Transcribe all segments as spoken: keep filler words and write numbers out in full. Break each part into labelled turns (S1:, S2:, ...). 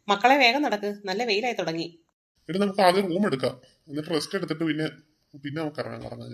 S1: മക്കളെ വേഗം നടക്ക്, നല്ല വെയിലായി തുടങ്ങി.
S2: എന്നിട്ട് നമുക്ക് ആദ്യം റൂം എടുക്കാം, എന്നിട്ട് റെസ്റ്റ് എടുത്തിട്ട് പിന്നെ പിന്നെ നമുക്ക് ഇറങ്ങാൻ കറങ്ങാൻ.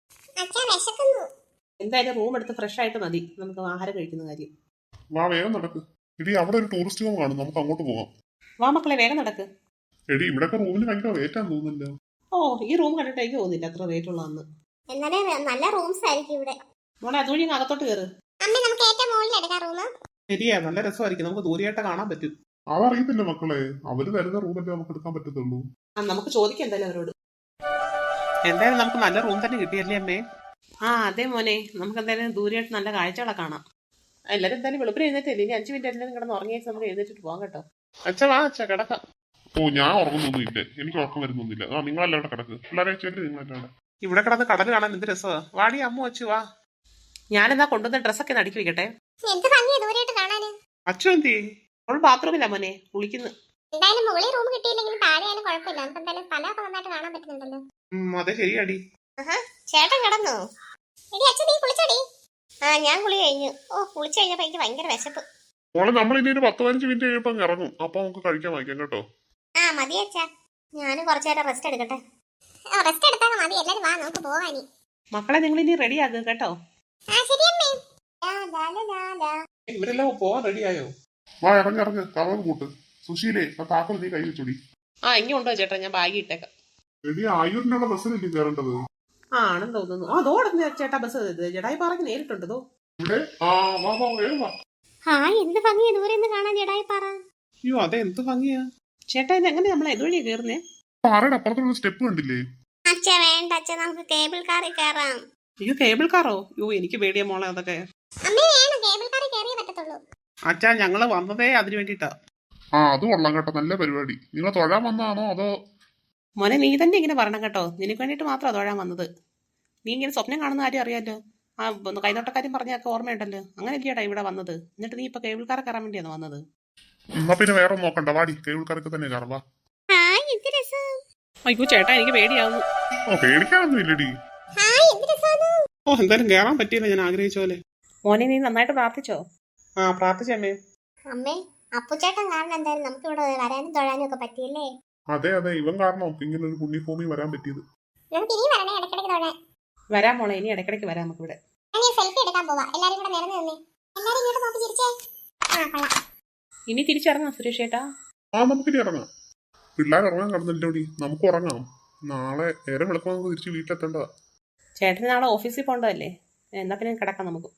S1: എന്തായാലും റൂം എടുത്ത് ഫ്രഷ് ആയിട്ട് മതി നമുക്ക് ആഹാരം കഴിക്കുന്ന കാര്യം.
S2: വാ വേഗം നടക്ക്. എടി അവിടെ ഒരു ടൂറിസ്റ്റ് ഹോം കാണും, നമുക്ക് അങ്ങോട്ട് പോവാം.
S1: വാ മക്കളെ വേഗം നടക്ക്.
S2: എടി ഇവിടെയൊക്കെ റൂമിന് ഭയങ്കര റേറ്റ് ആണെന്ന് തോന്നുന്നില്ല.
S1: ഓ ഈ റൂം കണ്ടിട്ട് എനിക്ക് തോന്നുന്നില്ല അത്ര റേറ്റ് ഉള്ളതെന്ന്.
S3: എന്നാലേ നല്ല റൂംസ് ആയിരിക്കും ഇവിടെ.
S1: മോളെ അതുവഴി അങ്ങ് അകത്തോട്ട് കയറ്.
S3: അമ്മ നമുക്ക് ഏറ്റവും മുകളിൽ എടുക്കാം റൂം.
S1: ശരിയാ, നല്ല രസമായിരിക്കും, നമുക്ക് ദൂരെയായിട്ട് കാണാൻ പറ്റും.
S2: അതറിയത്തില്ല മക്കളെ, അവര് തരുന്ന റൂമല്ലേ നമുക്ക് എടുക്കാൻ പറ്റത്തുള്ളൂ.
S1: ആ നമുക്ക് ചോദിക്കാം എന്തായാലും അവരോട്. എന്തായാലും നമുക്ക് നല്ല റൂം തന്നെ കിട്ടിയല്ലേ അമ്മേ? ആ അതെ മോനെ, നമുക്ക് എന്തായാലും ദൂരെയായിട്ട് നല്ല കാഴ്ചകളെ കാണാം. എല്ലാവരും എന്തായാലും വെളുപ്പിന് എഴുന്നേറ്റല്ലേ, ഇനി അഞ്ച് മിനിറ്റ് എല്ലാവരും കിടന്ന് ഉറങ്ങിയേച്ച് നമുക്ക് എഴുന്നേറ്റിട്ട് പോകാം കേട്ടോ. അച്ഛ വാ അച്ഛ കിടക്കാം.
S2: ഓ ഞാൻ ഉറങ്ങുന്നൊന്നുമില്ല, എനിക്ക് ഉറക്കം വരുന്നൊന്നുമില്ല. ആ നിങ്ങളെല്ലാം ഇവിടെ കിടക്ക്, പിള്ളേരെ വെച്ചല്ലേ നിങ്ങളെല്ലാം.
S1: ഇവിടെ കിടന്ന് കടൽ കാണാൻ എന്ത് രസമാ. വാടി അമ്മ വെച്ചു വാ. ഞാനെന്നാ കൊണ്ടുവന്ന ഡ്രസ്സൊക്കെ ഒന്ന് അടുക്കി വെക്കട്ടെ.
S3: എന്ത് ഭംഗിയാ ദൂരെയായിട്ട് കാണാന്.
S1: അച്ഛൻ എന്തി അവൾ ബാത്റൂമില്ല മോനെ, കുളിക്കുന്നു.
S3: എന്തായാലും മുകളിൽ റൂം കിട്ടിയില്ലെങ്കിലും താഴെയായാലും കുഴപ്പമില്ല, നമുക്ക് എന്തായാലും സ്ഥലമൊക്കെ നന്നായിട്ട് കാണാൻ പറ്റുന്നുണ്ടല്ലോ.
S1: അതെ ശരിയാടി.
S3: ചേട്ടൻ കിടന്നു. എടി അച്ഛൻ നീ കുളിച്ചോടി. ആ ഞാൻ കുളി കഴിഞ്ഞു. ഓ കുളിച്ചു കഴിഞ്ഞപ്പോ എനിക്ക് ഭയങ്കര വിശപ്പ്.
S2: മോളെ നമ്മൾ ഇനി ഒരു പത്ത് പതിനഞ്ച് മിനിറ്റ് കഴിയുമ്പോൾ അങ്ങ് ഇറങ്ങും, അപ്പൊ നമുക്ക് കഴിക്കാൻ വാങ്ങിക്കാം കേട്ടോ.
S3: ആ മതി അച്ഛാ, ഞാനും കുറച്ചു നേരം റെസ്റ്റ് എടുക്കട്ടെ. റെസ്റ്റ് എടുത്താൽ മതി, എല്ലാരും വാ നമുക്ക് പോവാനി.
S1: മക്കളെ നിങ്ങൾ ഇനി റെഡി ആകുക കേട്ടോ.
S3: ആ ശരി അമ്മേ.
S1: ഇവരെല്ലാം പോവാൻ റെഡിയായോ?
S2: വാ ഇറങ്ങി ഇറങ്ങ്, കറവ് കൂട്ട്. സുശീലേ ആ താക്കോൽ നീ കൈ വെച്ചോടി.
S1: ആ ഇനി ഉണ്ടോ ചേട്ടാ, ഞാൻ ബാഗ് ഇട്ടേക്കാം.
S2: എടി ആയൂരിനുള്ള ബസ്സിലല്ലേ കയറേണ്ടത്?
S1: ആ ആണെന്ന് തോന്നുന്നു. ആ അതോടെ ചേട്ടാ ബസ് ജഡായി പാറയ്ക്ക് നേരിട്ടുണ്ടോ
S2: ഇവിടെ? ആ വാ വാ വേഗം വാ.
S3: ആ എന്ത് ഭംഗിയാ ദൂരെ നിന്ന് കാണാൻ ജഡായി പാറ.
S1: അയ്യോ അതെ എന്ത് ഭംഗിയാ ചേട്ടാ. ഇത് എങ്ങനെ നമ്മളെ ഇതുവഴിയാ കയറുന്നേ?
S2: പാറയുടെ അപ്പുറത്തുള്ള സ്റ്റെപ്പ് കണ്ടില്ലേ?
S3: അച്ഛ വേണ്ട അച്ഛ, നമുക്ക് കേബിൾ കാറിൽ കയറാം.
S1: അയ്യോ കേബിൾ കാറോ? അയ്യോ എനിക്ക് പേടിയാ മോളെ അതൊക്കെ.
S3: അമ്മേ വേണം, കേബിൾ കാറിൽ കയറിയേ പറ്റത്തുള്ളൂ.
S1: അച്ഛാ ഞങ്ങള് വന്നതേ അതിന് വേണ്ടിട്ടാ.
S2: ആ അത് കൊള്ളാം കേട്ടോ, നല്ല പരിപാടി. നിങ്ങൾ തൊഴാൻ വന്നതാണോ അതോ?
S1: മോനെ നീ തന്നെ ഇങ്ങനെ പറയണം കേട്ടോ, നിനക്ക് വേണ്ടിട്ട് മാത്രമാണ് തൊഴാൻ വന്നത്. നീ ഇങ്ങനെ സ്വപ്നം കാണുന്ന കാര്യം അറിയാലോ. ആ കൈനോട്ടക്കാര്യം പറഞ്ഞൊക്കെ ഓർമ്മയുണ്ടല്ലോ. അങ്ങനെ ഇല്ലടാ ഇവിടെ വന്നത്. എന്നിട്ട് നീ ഇപ്പൊ കേബിൾ കാർ കയറാൻ വേണ്ടിയാണ് വന്നത്.
S2: എന്നാ പിന്നെ വേറെ നോക്കണ്ട, വാടി കേബിൾ കാർക്ക് തന്നെ കയറാം. വാ.
S1: അയ്യോ ചേട്ടാ എനിക്ക് പേടിയാവുന്നു.
S2: ഓ പേടിക്കാനൊന്നും ഇല്ലടി.
S1: ഓ എന്തായാലും കയറാൻ പറ്റിയില്ല ഞാൻ ആഗ്രഹിച്ച പോലെ. മോനെ നീ നന്നായിട്ട് പ്രാർത്ഥിച്ചോ? ആ പ്രാർത്ഥിച്ചമ്മേ.
S3: അമ്മേ അപ്പുചേട്ടൻ കാരണം എന്തായാലും നമുക്ക് ഇവിടെ വരാനും തൊഴാനും ഒക്കെ പറ്റിയല്ലേ.
S2: അതെ അതെ, ഇവൻ കാരണം ഇങ്ങനെ ഒരു പുണ്യഭൂമി വരാൻ പറ്റിയത്.
S3: നമുക്ക് ഇനി വരണേ ഇടയ്ക്കിടയ്ക്ക് തൊഴാൻ.
S1: വരാം മോളെ, ഇനി ഇടയ്ക്കിടയ്ക്ക് വരാം നമുക്ക് ഇവിടെ.
S3: ഞാൻ സെൽഫി എടുക്കാൻ പോവാ, എല്ലാരും കൂടെ നിരന്ന് നിന്നേ. എല്ലാരും ഇങ്ങോട്ട് നോക്കി ചിരിച്ചേ. ആ കൊള്ളാം.
S1: ഇനി തിരിച്ചിറങ്ങാം സുരേഷ് ചേട്ടാ.
S2: ആ നമുക്കിനി ഇറങ്ങാം. പിള്ളേർ ഇറങ്ങാൻ കടന്നില്ലോടി, നമുക്ക് ഉറങ്ങാം. നാളെ നേരം വെളുപ്പം നമുക്ക് തിരിച്ച് വീട്ടിലെത്തേണ്ടതാ.
S1: ചേട്ടന് നാളെ ഓഫീസിൽ പോകേണ്ടതല്ലേ? എന്നാ പിന്നെ കിടക്കാം നമുക്ക്.